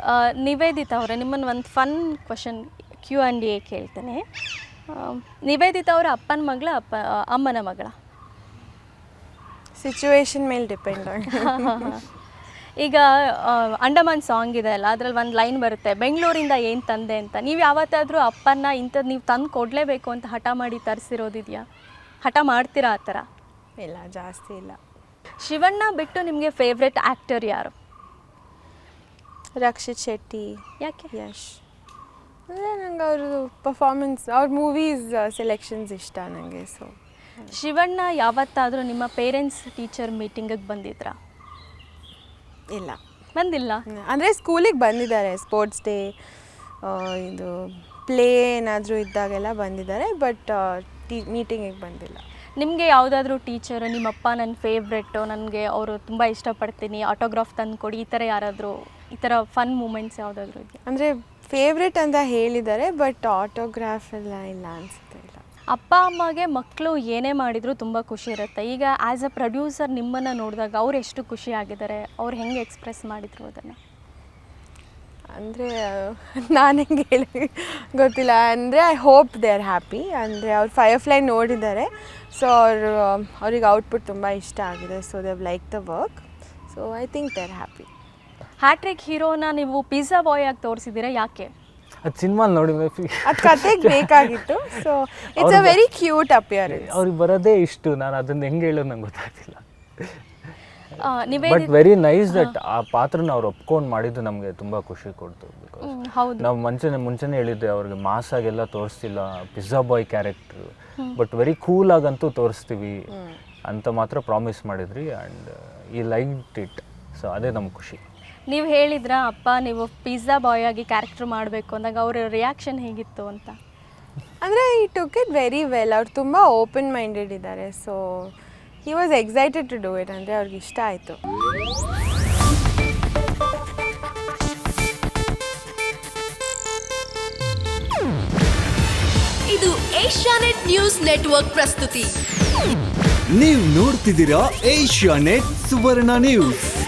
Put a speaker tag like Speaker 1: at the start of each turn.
Speaker 1: ನಿವೇದಿತಾ ಅವರೇ, ನಿಮ್ಮನ್ನು ಒಂದು ಫನ್ ಕ್ವಶನ್ Q&A ಕೇಳ್ತೇನೆ. ನಿವೇದಿತಾ ಅವರ ಅಪ್ಪನ ಮಗಳ ಅಮ್ಮನ ಮಗಳ?
Speaker 2: ಸಿಚುವೇಶನ್ ಮೇಲೆ ಡಿಪೆಂಡ್ ಆಗಿ.
Speaker 1: ಈಗ ಅಂಡಮಾನ್ ಸಾಂಗ್ ಇದೆ ಅಲ್ಲ, ಅದ್ರಲ್ಲಿ ಒಂದು ಲೈನ್ ಬರುತ್ತೆ, ಬೆಂಗಳೂರಿಂದ ಏನು ತಂದೆ ಅಂತ. ನೀವು ಯಾವತ್ತಾದರೂ ಅಪ್ಪನ ಇಂಥದ್ದು ನೀವು ತಂದು ಕೊಡಲೇಬೇಕು ಅಂತ ಹಠ ಮಾಡಿ ತರಿಸಿರೋದಿದೆಯಾ? ಹಠ ಮಾಡ್ತೀರಾ ಆ ಥರ?
Speaker 2: ಇಲ್ಲ, ಜಾಸ್ತಿ ಇಲ್ಲ.
Speaker 1: ಶಿವಣ್ಣ ಬಿಟ್ಟು ನಿಮಗೆ ಫೇವ್ರೆಟ್ ಆ್ಯಕ್ಟರ್ ಯಾರು?
Speaker 2: ರಕ್ಷಿತ್ ಶೆಟ್ಟಿ.
Speaker 1: ಯಾಕೆ?
Speaker 2: ಯಶ್. ಅಂದರೆ ನಂಗೆ ಅವ್ರದ್ದು ಪರ್ಫಾರ್ಮೆನ್ಸ್, ಅವ್ರ ಮೂವೀಸ್ ಸೆಲೆಕ್ಷನ್ಸ್ ಇಷ್ಟ ನನಗೆ. ಸೊ
Speaker 1: ಶಿವಣ್ಣ ಯಾವತ್ತಾದರೂ ನಿಮ್ಮ ಪೇರೆಂಟ್ಸ್ ಟೀಚರ್ ಮೀಟಿಂಗಿಗೆ ಬಂದಿದ್ರಾ?
Speaker 2: ಇಲ್ಲ,
Speaker 1: ಬಂದಿಲ್ಲ.
Speaker 2: ಅಂದರೆ ಸ್ಕೂಲಿಗೆ ಬಂದಿದ್ದಾರೆ, ಸ್ಪೋರ್ಟ್ಸ್ ಡೇ, ಇದು ಪ್ಲೇ ಏನಾದರೂ ಇದ್ದಾಗೆಲ್ಲ ಬಂದಿದ್ದಾರೆ, ಬಟ್ ಮೀಟಿಂಗಿಗೆ ಬಂದಿಲ್ಲ.
Speaker 1: ನಿಮಗೆ ಯಾವುದಾದ್ರೂ ಟೀಚರ್ ನಿಮ್ಮಪ್ಪ ನನ್ನ ಫೇವ್ರೆಟ್ಟು, ನನಗೆ ಅವರು ತುಂಬ ಇಷ್ಟಪಡ್ತೀನಿ, ಆಟೋಗ್ರಾಫ್ ತಂದು ಕೊಡಿ, ಈ ಥರ ಯಾರಾದರೂ ಈ ಥರ ಫನ್ ಮೂಮೆಂಟ್ಸ್ ಯಾವುದಾದ್ರೂ ಇದೆಯಾ?
Speaker 2: ಅಂದರೆ ಫೇವ್ರೆಟ್ ಅಂತ ಹೇಳಿದ್ದಾರೆ, ಬಟ್ ಆಟೋಗ್ರಾಫ್ ಎಲ್ಲ ಇಲ್ಲ ಅನಿಸುತ್ತೆ. ಇಲ್ಲ.
Speaker 1: ಅಪ್ಪ ಅಮ್ಮಗೆ ಮಕ್ಕಳು ಏನೇ ಮಾಡಿದರೂ ತುಂಬ ಖುಷಿ ಇರುತ್ತೆ. ಈಗ ಆ್ಯಸ್ ಅ ಪ್ರೊಡ್ಯೂಸರ್ ನಿಮ್ಮನ್ನು ನೋಡಿದಾಗ ಅವ್ರು ಎಷ್ಟು ಖುಷಿಯಾಗಿದ್ದಾರೆ, ಅವ್ರು ಹೆಂಗೆ ಎಕ್ಸ್ಪ್ರೆಸ್ ಮಾಡಿದ್ರು ಅದನ್ನು?
Speaker 2: ಅಂದರೆ ನಾನು ಹೆಂಗೆ ಹೇಳಿ ಗೊತ್ತಿಲ್ಲ. ಅಂದರೆ I hope they are happy. ಅಂದರೆ ಅವ್ರು ಫೈರ್ಫ್ಲೈ ನೋಡಿದ್ದಾರೆ, ಸೊ ಅವ್ರಿಗೆ ಔಟ್ಪುಟ್ ತುಂಬ ಇಷ್ಟ ಆಗಿದೆ. So they have like the work, so I think they are happy.
Speaker 1: Hattrick ಹೀರೋನ ನೀವು ಪಿಜ್ಜಾ ಬಾಯ್ ಆಗಿ ತೋರಿಸಿದ್ದೀರಾ, ಯಾಕೆ?
Speaker 3: ಅದು ಸಿನಿಮಾ ನೋಡಿ
Speaker 2: ಅದು ಕತೆಗೆ ಬೇಕಾಗಿತ್ತು. So it's a very cute appearance.
Speaker 3: ಅವ್ರಿಗೆ ಬರೋದೇ ಇಷ್ಟು, ನಾನು ಅದನ್ನ ಹೆಂಗೆ ಹೇಳೋದು ನಂಗೆ ಗೊತ್ತಾಗ್ತಿಲ್ಲ. But
Speaker 1: Niveditha
Speaker 3: very nice that ಆ ಪಾತ್ರನ ಅವ್ರು ಒಪ್ಕೊಂಡು ಮಾಡಿದ್ದು ನಮಗೆ ತುಂಬ ಖುಷಿ ಕೊಡ್ತು. ಬಿಕಾಸ್
Speaker 1: ಹೌದು,
Speaker 3: ನಾವು ಮುಂಚೆನೇ ಹೇಳಿದ್ದೆ, ಅವ್ರಿಗೆ ಮಾಸಾಗೆಲ್ಲ ತೋರಿಸ್ತಿಲ್ಲ pizza boy character, but very cool ಆಗಂತೂ ತೋರಿಸ್ತೀವಿ ಅಂತ ಮಾತ್ರ ಪ್ರಾಮಿಸ್ ಮಾಡಿದ್ರಿ. ಆ್ಯಂಡ್ ಈ ಲೈಕ್ ಇಟ್, ಸೊ ಅದೇ ನಮ್ಗೆ ಖುಷಿ.
Speaker 1: ನೀವು ಹೇಳಿದ್ರಾ ಅಪ್ಪ ನೀವು ಪಿಜ್ಜಾ ಬಾಯ್ ಆಗಿ ಕ್ಯಾರೆಕ್ಟರ್ ಮಾಡಬೇಕು ಅಂದಾಗ ಅವ್ರ ರಿಯಾಕ್ಷನ್ ಹೇಗಿತ್ತು ಅಂತ?
Speaker 2: ಅಂದರೆ ಈ ಟುಕ್ ಇಟ್ ವೆರಿ ವೆಲ್. ಅವ್ರು ತುಂಬ ಓಪನ್ ಮೈಂಡೆಡ್ ಇದ್ದಾರೆ. So he was excited to do it. ಅಂದರೆ ಅವ್ರಿಗೆ ಇಷ್ಟ ಆಯಿತು.
Speaker 4: ಇದು ಏಷ್ಯಾನೆಟ್ ನ್ಯೂಸ್ ನೆಟ್ವರ್ಕ್ ಪ್ರಸ್ತುತಿ.
Speaker 5: ನೀವು ನೋಡ್ತಿದ್ದೀರಾ ಏಷ್ಯಾನೆಟ್ ಸುವರ್ಣ ನ್ಯೂಸ್.